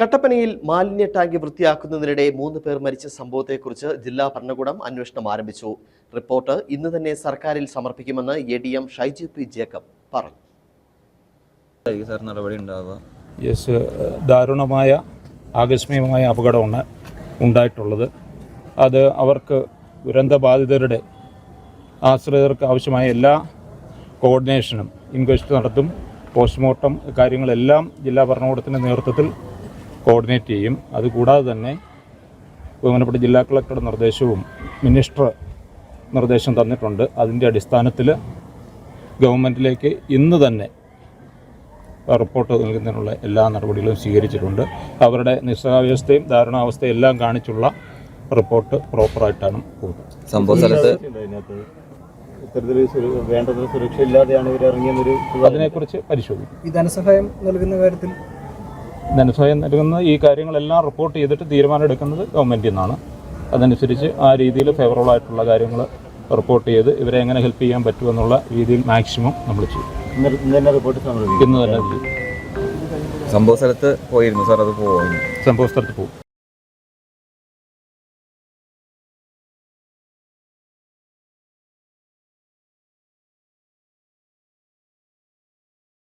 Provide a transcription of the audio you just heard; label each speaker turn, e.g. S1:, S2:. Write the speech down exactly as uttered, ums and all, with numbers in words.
S1: കട്ടപ്പനയിൽ മാലിന്യ ടാങ്ക് വൃത്തിയാക്കുന്നതിനിടെ മൂന്ന് പേർ മരിച്ച സംഭവത്തെക്കുറിച്ച് ജില്ലാ ഭരണകൂടം അന്വേഷണം ആരംഭിച്ചു. റിപ്പോർട്ട് ഇന്ന് തന്നെ സർക്കാരിൽ സമർപ്പിക്കുമെന്ന് A D M Shaiju P Jacob പറഞ്ഞു.
S2: യെസ്, ദാരുണമായ ആകസ്മികമായ അപകടമാണ് ഉണ്ടായിട്ടുള്ളത്. അത് അവർക്ക് ദുരന്തബാധിതരുടെ ആശ്രിതർക്ക് ആവശ്യമായ എല്ലാ കോർഡിനേഷനും ഇൻക്വസ്റ്റ് നടത്തും. പോസ്റ്റ്മോർട്ടം കാര്യങ്ങളെല്ലാം ജില്ലാ ഭരണകൂടത്തിൻ്റെ നേതൃത്വത്തിൽ കോർഡിനേറ്റ് ചെയ്യും. അതുകൂടാതെ തന്നെ ബഹുമാനപ്പെട്ട ജില്ലാ കളക്ടറുടെ നിർദ്ദേശവും മിനിസ്റ്റർ നിർദ്ദേശം തന്നിട്ടുണ്ട്. അതിൻ്റെ അടിസ്ഥാനത്തിൽ ഗവൺമെൻറ്റിലേക്ക് ഇന്ന് തന്നെ റിപ്പോർട്ട് നൽകുന്നതിനുള്ള എല്ലാ നടപടികളും സ്വീകരിച്ചിട്ടുണ്ട്. അവരുടെ നിസ്സഹാവസ്ഥയും ദാരുണാവസ്ഥയും എല്ലാം കാണിച്ചുള്ള റിപ്പോർട്ട് പ്രോപ്പറായിട്ടാണ് പോകുന്നത്.
S3: സംഭവ സ്ഥലത്ത്
S4: വേണ്ടത്ര സുരക്ഷ ഇല്ലാതെയാണ് ഇവർ ഇറങ്ങിയെന്നൊരു
S2: അതിനെക്കുറിച്ച് പരിശോധിക്കും.
S5: ഈ ധനസഹായം നൽകുന്ന കാര്യത്തിൽ
S2: ധനസഹായം നൽകുന്ന ഈ കാര്യങ്ങളെല്ലാം റിപ്പോർട്ട് ചെയ്തിട്ട് തീരുമാനം എടുക്കുന്നത് ഗവൺമെൻറ്റിൽ നിന്നാണ്. അതനുസരിച്ച് ആ രീതിയിൽ ഫേവറബിൾ ആയിട്ടുള്ള കാര്യങ്ങൾ റിപ്പോർട്ട് ചെയ്ത് ഇവരെ എങ്ങനെ ഹെൽപ്പ് ചെയ്യാൻ പറ്റുമെന്നുള്ള രീതിയിൽ മാക്സിമം നമ്മൾ ചെയ്യും.
S4: ഇന്ന് തന്നെ റിപ്പോർട്ട് സമർപ്പിക്കും.
S2: ഇന്ന് തന്നെ ചെയ്യും.
S3: സംഭവ സ്ഥലത്ത് പോയിരുന്നു സാർ, അത് പോകും
S2: സംഭവ സ്ഥലത്ത് പോകും.